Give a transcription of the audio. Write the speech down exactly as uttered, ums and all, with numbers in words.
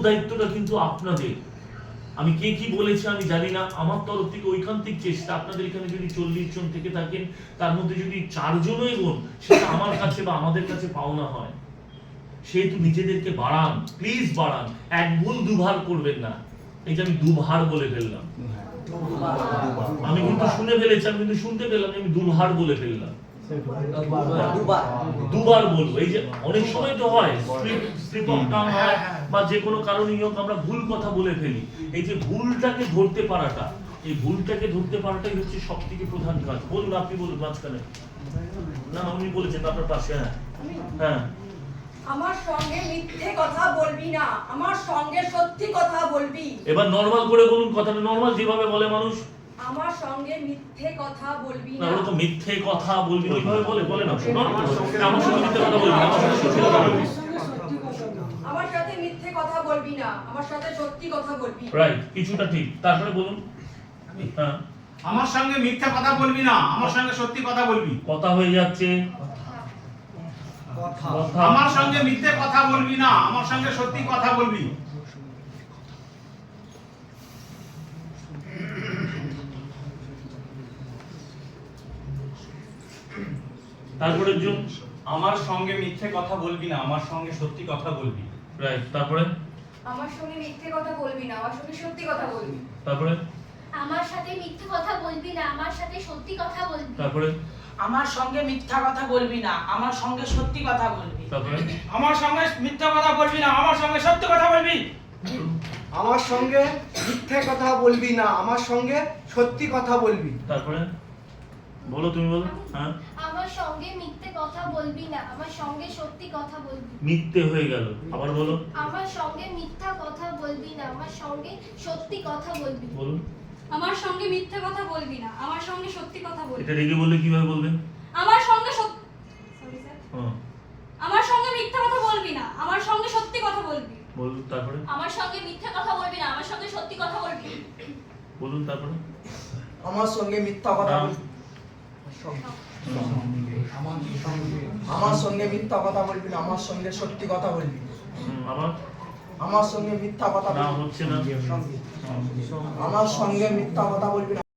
দায়িত্বটা কিন্তু আপনাদের। আমি কে কি বলেছে আমি জানি না, আমার তরফ থেকে ঐকান্তিক চেষ্টা, আপনাদের এখানে যদি চল্লিশ জন থেকে থাকেন তার মধ্যে যদি চারজনও এগোন সেটা আমার কাছে বা আমাদের কাছে পাওনা হয়। সেহেতু নিজেদেরকে বাড়ান, প্লিজ বাড়ান, এক ভুল দুবার করবেন না। এই যে আমি দুবার বলে ফেললাম, আমি কিন্তু শুনে ফেলেছি, আমি কিন্তু শুনতে পেলাম আমি দুবার বলে ফেললাম, দুবার বলবো। এই যে অনেক সময় তো হয় স্লিপ অফ টাং হয় বা যে কোনো কারণেই হোক আমরা ভুল কথা বলে ফেলি। এই যে ভুলটাকে ধরতে পারাটা, এই ভুলটাকে ধরতে পারাটাই হচ্ছে সব থেকে প্রধান কাজ। বলুন, আপনি বলুন মাঝখানে। না উনি বলেছেন আপনার পাশে। হ্যাঁ হ্যাঁ আমার সঙ্গে মিথ্যে কথা বলবি না, আমার সঙ্গে সত্যি কথা বলবি। এবার নরমাল করে বলুন, কথাটা নরমাল যেভাবে বলে মানুষ। আমার সঙ্গে মিথ্যে কথা বলবি না, না। ওরা তো মিথ্যে কথা বলবি ওইভাবে বলে বলে না। শোনো, আমার সঙ্গে মিথ্যে কথা বলবি না, আমার সঙ্গে সত্যি কথা বলবি। আমার সাথে মিথ্যে কথা বলবি না, আমার সাথে সত্যি কথা বলবি। রাইট, কিছুটা ঠিক। তারপরে বলুন। হ্যাঁ, আমার সঙ্গে মিথ্যা কথা বলবি না, আমার সঙ্গে সত্যি কথা বলবি। কথা হয়ে যাচ্ছে। আমার সঙ্গে মিথ্যে কথা বলবি না, আমার সঙ্গে সত্যি কথা বলবি। তারপরে জন আমার সঙ্গে মিথ্যে কথা বলবি না, আমার সঙ্গে সত্যি কথা বলবি। রাইট, তারপরে আমার সঙ্গে মিথ্যে কথা বলবি না, আমার সঙ্গে সত্যি কথা বলবি। তারপরে আমার সাথে মিথ্যে কথা বলবি না, আমার সাথে সত্যি কথা বলবি। তারপরে আমার সঙ্গে মিথ্যা কথা বলবি না, আমার সঙ্গে সত্যি কথা বলবি। তারপরে আমার সঙ্গে মিথ্যা কথা বলবি না, আমার সঙ্গে সত্যি কথা বলবি। আমার সঙ্গে মিথ্যে কথা বলবি না, আমার সঙ্গে সত্যি কথা বলবি। তারপরে বলো, তুমি বলো। হ্যাঁ, আমার সঙ্গে মিথ্যে কথা বলবি না, আমার সঙ্গে সত্যি কথা বলবি। মিথ্যে হয়ে গেল, আবার বলো। আমার সঙ্গে মিথ্যা কথা বলবি না, আমার সঙ্গে সত্যি কথা বলবি। বলুন। আমার সঙ্গে মিথ্যে কথা বলবি না, আমার সঙ্গে সত্যি কথা বলবি। এটা রেগে বললে কিভাবে বলবেন? আমার সঙ্গে সত্যি সরি স্যার হ্যাঁ, আমার সঙ্গে মিথ্যে কথা বলবি না, আমার সঙ্গে সত্যি কথা বলবি। বলুন। তারপরে আমার সঙ্গে মিথ্যে কথা বলবি না, আমার সঙ্গে সত্যি কথা বলবি। বলুন। তারপরে আমার সঙ্গে মিথ্যা কথা না। বলবি, আমার সঙ্গে মিথ্যা কথা বলবি না, আমার সঙ্গে সত্যি কথা বলবি। হুম, আবার আমার সঙ্গে মিথ্যা কথা না বলবি হচ্ছে না। আমার সঙ্গে মিথ্যা কথা বলবি না।